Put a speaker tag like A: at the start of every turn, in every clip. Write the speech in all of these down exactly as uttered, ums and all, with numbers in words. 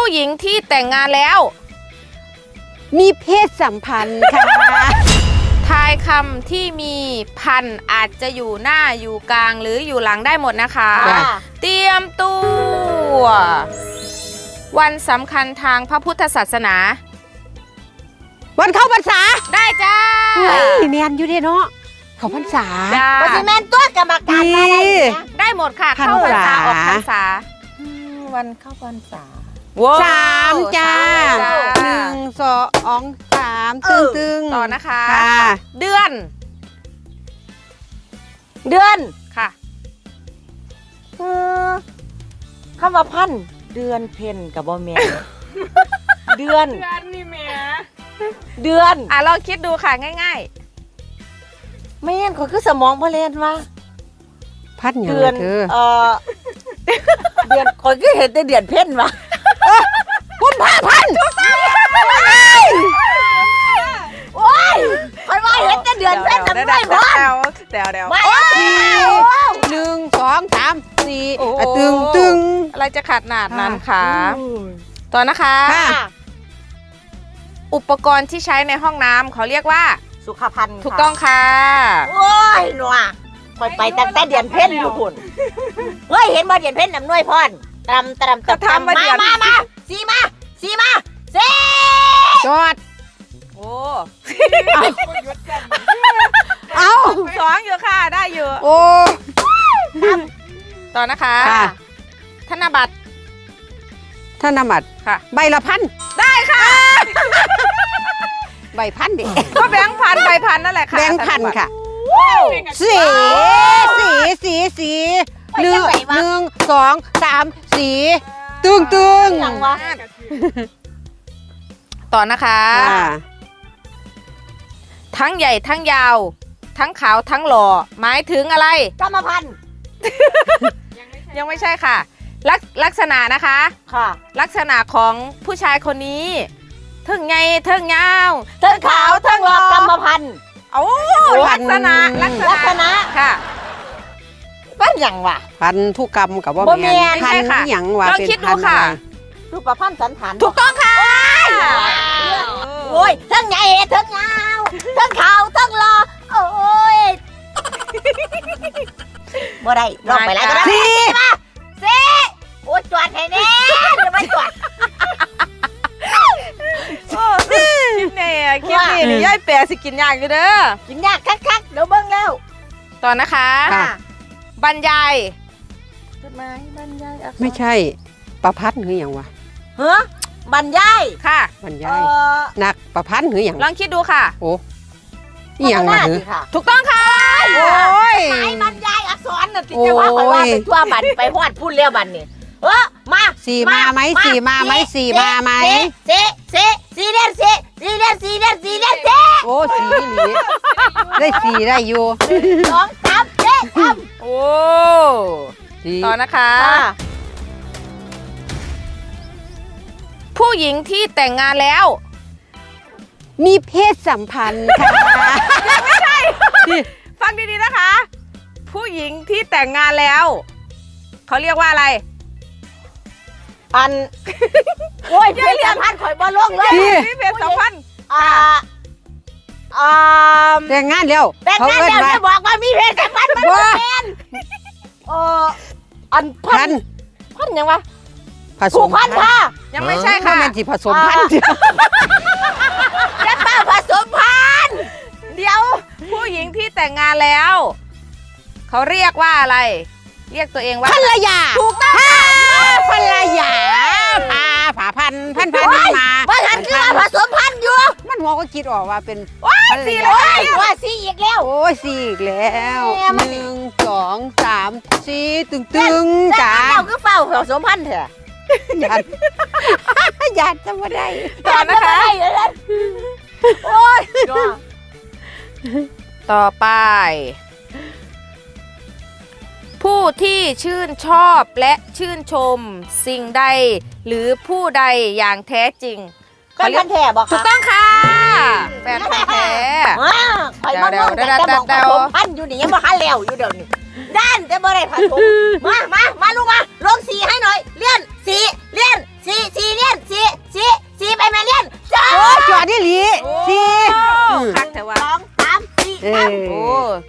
A: ผู้หญิงที่แต่งงานแล้ว
B: มีเพศสัมพันธ์ค่ะ
A: ทายคำที่มีพันอาจจะอยู่หน้าอยู่กลางหรืออยู่หลังได้หมดนะคะเตรียมตัววันสำคัญทางพระพุทธศาสนา
B: วันเข้าพรรษา
A: ได้จ้า
B: เฮ้ยเนียนอยู่เด้เนาะเข้าพรรษา
C: ปฏิแมนตัวกรรมการมาได้
A: ได้หมดค่ะเข้าพรรษาออกพรรษา
C: วันเข้าพรรษา
B: สามจ้าหนึ่งสองสามตึงตึง
A: ต่อนะคะเดือน
C: เดือน
A: ค่ะ
C: คำว่าพันเดือนเพ็ญกับบ่แม่เดือน
A: เดือนนี่แม่
C: เดือน
A: อ่ะลองคิดดูค่ะง่าย
C: ๆไม่เห็นเขาคือสมองพะเลนว่า
B: พัน
C: เดือนเออเดือนคนก็เห็นแต่เดือนเพ็ญวะ
B: กุมภาพันธ์
C: โอ้ยคอยว่าเห็นแต่เดือนเพ็ญนั่นไม่พอ
A: เดี๋ยวเดี๋ยว
B: หนึ่งสองสามสี่ตึงตึง
A: อะไรจะขาดหนาดนั้นคะต่อนะคะอุปกรณ์ที่ใช้ในห้องน้ำเขาเรียกว่า
C: สุขภัณฑ์
A: ถูกต้องค่ะ
C: โอ้ยหนัวคอยไปตั้งแต่เดือนเพ็ญอยู่พุ่นเฮ้ยเห็นบ่เดือนเพ็ญน้ำน้อยพรตำตำตำตำมามามาสีมาสีมาสี
B: จอด
A: โอ้
B: เอา
A: สองอยู่ค่ะได้อยู่
B: โอ้
A: ต่อนะคะธนบัตร
B: ธนบัตร
A: ค่ะ
B: ใบละพัน
A: ได้ค่ะ
B: ใบพันดิ
A: ก็แบงค์พันใบพันนั่นแหละค่ะ
B: แบงค์พันค่ะสีสีสีสีหนึ่งหนึ่งสองสามสีตึงตึง
A: ต่อนะคะทั้งใหญ่ทั้งยาวทั้งขาวทั้งหล่อหมายถึงอะไร
C: กรรมพันธุ์
A: ยังไม่ใช่ค่ะลักลักษณะนะคะ
C: ค่ะ
A: ลักษณะของผู้ชายคนนี้ทั้งใหญ่ทั้งยาว
C: ทั้งขาวทั้งหล่อกรรมพันธุ์
A: โอ้ลักษณะ
C: ลักษณะ
A: ค่ะ
C: พันอย่างวะ
B: พันธุกรรมกับว่าแม่พันอย่างวะ
A: เป็นพันค่ะ
C: รูปพันสันฐาน
A: ถูกต้องค่ะ
C: โอ้ยทั้งใหญ่ทั้งยาวทั้งขาวทั้งหล่อโอ้ยบ่ได้ลองไปแล้วก็ได้สี่มาสี่โอ้ยจวดให้แน่หรือไม่จวด
A: คิดเนี่ยคิดนี่นี่ย่ายแปรสิกินยากอยู่เด้อ
C: กินยากคักๆเดี๋ยวเบิ่งแล้ว
A: ต่อนะคะบรรยาย
C: จดหมายบรรยาย
B: ไม่ใช่ประพัดหรืออย่างวะ
C: เฮ้บรรยาย
A: ค่ะ
B: บรรยายนักประพัดหรืออย่าง
A: ลองคิดดูค่ะ
B: โอ้อย่างวะ
A: ถูกต้องค่ะ
B: โอ้ย
C: บรรยายอักษรน่ะที่จะว่าไปว่าไปทั่วบันไปฮอดพูดเรียวบันนี่เออมา
B: สี่มาไหมสี่มาไหมสี่มาไหม
C: สี่สี่สี่เดือนสี่สี่เดือนสี่เดือนสี่เดือนสี่
B: โอ้สี่หลีได้สี่ได้อยู่
C: สองสามสี่สาม
A: โอ้ต่อนะคะผู้หญิงที่แต่งงานแล้ว
B: มีเพศสัมพันธ์ค่ะ
A: ไม่ใช่ฟังดีๆนะคะผู้หญิงที่แต่งงานแล้วเขาเรียกว่าอะไร
C: อันโอ้ยเพศสัมพันธ์ข่อยบ่ลงเลย
A: นี่เพศสัมพันธ์
C: อ่าอ่า
B: แต่งงานแล้ว
C: แต่งงานแล้วจะบอกว่ามีเพศสัมพันธ์มันเป็นเอออันพันพันยังวะ
B: ผสม
C: พันธุ์ค่ะ
A: ยังไม่ใช่ค่ะ
B: มันสิผสมพันธุ์
C: ยักษ์ป้าผสมพันธุ์
A: เดี๋ยวผู้หญิงที่แต่งงานแล้วเขาเรียกว่าอะไรเรียกตัวเองว่า
B: ภรรยา
A: ถูกต้อง
B: ภรรยาพาผาพันพันพันมา
C: ว่าฉันคือว่าผสมพันธุ์อยู่
B: มันหัวก็คิดออกว่าเป็น
C: สี่เลยว่าสี่อีกแล้ว
B: โอ้ยสี่อีกแล้วหนึ่งสองสามสี่ตึงตึงจ้า
C: เราคือเฝ้าผสมพันธุ์เถอะ
B: หยาดหยาดจะมาได้
A: ต่อนะคะ
C: โอ้ย
A: ต่อไปผู้ที่ชื่นชอบและชื่นชมสิ่งใดหรือผู้ใดอย่างแท้จริง
C: แฟนพันธุ์แท้บอกค่ะ
A: ถูกต้องค่ะแฟนพันธุ์แท้
C: ไปมาเมื่อแต่จะบอกผสมพันธุ์อยู่นี่ยังมาคันแล้วอยู่เดี๋ยวนี้ด้านแต่บ่ได้ผสมมามามาลูกมาลงสีให้หน่อยเลี้ยนสีเลี้ยนสีสีเลี้ยน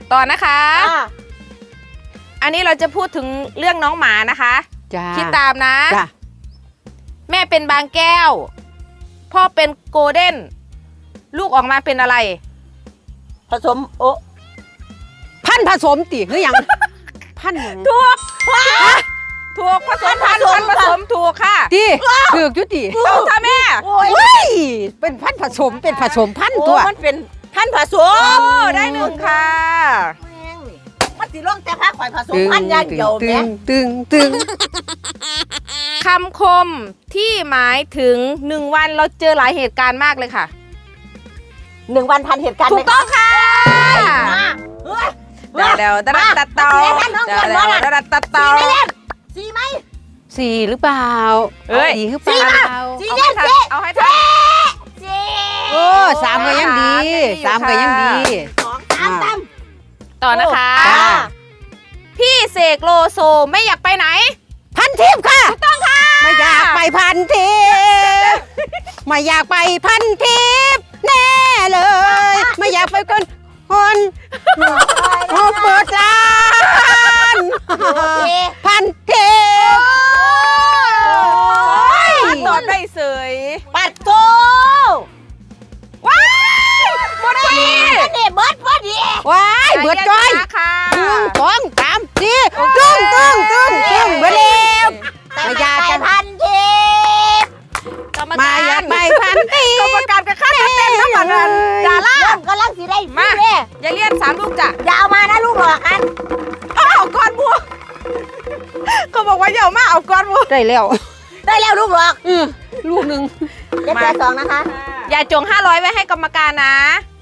A: ต่อนะคะ
C: อ่า
A: อันนี้เราจะพูดถึงเรื่องน้องหมานะคะ
B: จ้า
A: คิดตามนะ
B: จ้า
A: แม่เป็นบางแก้ว พ่อเป็นโกลเด้น ลูกออกมาเป็นอะไร
C: ผสมโอ้
B: พันธุ์ผสมติหรือยังพันธุ์หยัง
A: ถูก ถูกผสมพันธุ์พันธุ์ผสมถูกค่ะ
B: ติถูกจุติ
A: ถูกค่ะแม่
C: โอ้ย
B: เฮ้ยเป็นพันธุ์ผสมเป็นผสมพันธุ์
C: โอ้
B: ตัว
C: มันเป็นพันธุ์ผส
A: โอ้
C: ม
A: ได้หนึ่งค่ะ
C: แม่งนี่มันสิลงแต่พักข่อยผสมพันธุ์อย่างเดียว
B: ตึ
C: แม่
B: งตึงตึง
A: คำคมที่หมายถึงหนึ่งวันเราเจอหลายเหตุการณ์มากเลยค่ะ
C: หนึ่งวันพันเหตุการณ์
A: ถูกต้องค่ะ
C: มาเฮ้ย
A: เดี๋ยวเดี๋ยวตัดตัดเตาเดี๋ยวเดี๋ยวตัดตัดเตา
C: สีไหม
B: สี่หรือเปล่า
A: เอ้ย
B: สี่หรือเปล่า
C: สี
A: เอา
C: เล่
A: ให้
C: น
A: ทัน
C: สี
A: เอาให้ทัน
C: สี
B: โอ้สามก็ยังดีสามก็ยังดี
C: สองสามสาม
A: ต่อนะคะ
C: อ่า
A: พี่เสกโลโซไม่อยากไปไหน
B: พันทิพย์ค่ะ
A: ถูกต้องค่ะ
B: ไม่อยากไปพันทิพย์ไม่อยากไปพันทิพย์แน่เลย ไม่อยากไปคนคนโอ้เปิดร้าน
C: สี
B: พันทิพย์
A: ตอบได้เสย
C: ปัดโต
A: ว้ายหมดพอดี
C: นี่เบิร์ดพอดี
B: ว้ายเบิดจ้อย
A: ค่ะ
B: หนึ่งสองสามสี่ตึ้งตึ้งตึ้งตึ้งเบิดแล้ว ไม่อยากจะ
C: พันทิพย์
A: กรรม
B: มา
A: การ
B: อยากไปพันทิ
A: กรรม
B: พย์
A: การกับข้าเต้นน้ำมันกันดารา
C: เริ่มกำลังสีได้
A: มา
C: พี่เด้
A: อย่าเลี่ยนสามลูกจ้ะ
C: อย่าเอามานะลูกหลอกกัน
A: เอาก้อนบัวเขาบอกว่าอย่าเอามาเอาก้อนบัว
B: ได้แล้ว
C: ได้แล้วลูกหลอก
B: เออลูกหนึ่ง
C: เจ็ดแปดสองนะคะ
A: อย่าจงห้าร้อยไว้ให้กรรมการนะ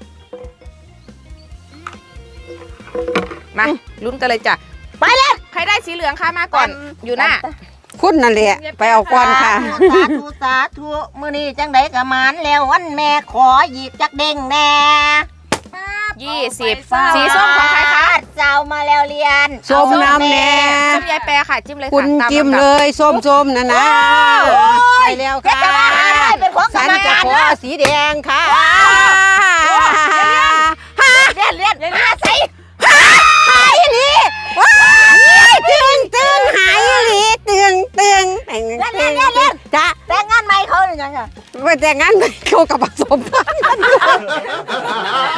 A: มาลุ้นกันเลยจ้ะ
C: ไปเลย
A: ใครได้สีเหลืองคะมาก่อน อยู่หน้า
B: คุณนั่นแหละไปเอาก่อนค่ะ
C: สาธุสาธุมื้อนี้จังไดกะมานแล้ววันแม่ขอหยิบจักเด้งแน่
A: ยี่สิบสีส้มของใครคะ
C: เจ้ามาแล้วเรียน
B: ส้มน้ำแน่
A: ส้มยายแปรค่ะ จิ้มเลยค่ะ
B: คุณ
A: ตา
B: จิ้ม
A: ลำดับ
B: เลยส้มๆนะนะไปแล้วค่ะ
C: จะมาหาได้เป็นของกร
B: ฉัน
C: รม
B: จะ
C: การ
B: ขอ
C: นะ
B: สีแดงค่ะ
C: เรียนเรียนเรียนหาใส่
B: หายอีหลีว้ายตึงตึงหายอีหลีตึงตึงตึงตึงตึงจ้ะ
C: แต่งงานใหม่เขาหรือยังอะ
B: ไปแต่งงานไปเข้ากับผสมพันธุ์กัน